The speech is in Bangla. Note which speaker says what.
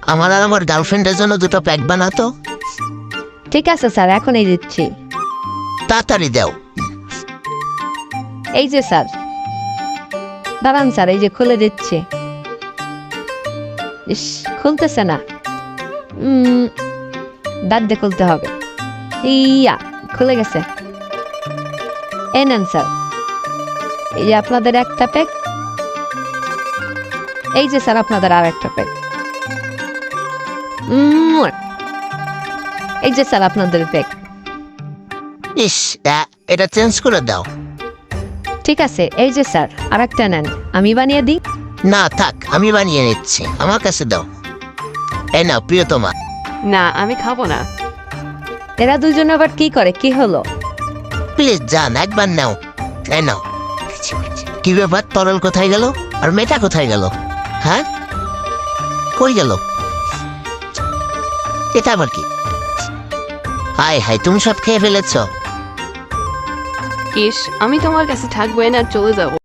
Speaker 1: আমার আর আমার গার্লফ্রেন্ডের জন্য দুটো প্যাক বানাতো।
Speaker 2: ঠিক আছে স্যার, এখনই দিচ্ছি।
Speaker 1: তাড়াতাড়ি দাও।
Speaker 2: এই যে স্যার, দাঁড়ান স্যার, এই যে খুলে দিচ্ছি। ইস, খুলতেছে না। দাঁত দিয়ে খুলতে হবে। ইয়া, খুলে গেছে। এই নেন স্যার, এই যে আপনাদের একটা প্যাক। এই যে স্যার আপনাদের আর একটা প্যাক। এই যে স্যার আপনাদের প্যাক।
Speaker 1: ইস, এটা চেঞ্জ করে দাও।
Speaker 2: ঠিক আছে, এই যে স্যার আর একটা নেন, আমি বানিয়ে দিই।
Speaker 1: না থাক, আমি বানিয়ে নিচ্ছি, আমার কাছে দাও। এই নাও প্রিয়তমা।
Speaker 3: না, আমি খাবো না।
Speaker 2: এরা দুজন আবার কি করে, কি হলো?
Speaker 1: প্লিজ যান, একবার নাও। এই নাও। কি ব্যাপার, তরল কোথায় গেল আর মেয়েটা কোথায় গেল? হ্যাঁ, কই গেল? এটা আবার কি? হাই হাই, তুমি সব খেয়ে ফেলেছ।
Speaker 3: ইস, আমি তোমার কাছে থাকবো না, চলে যাবো।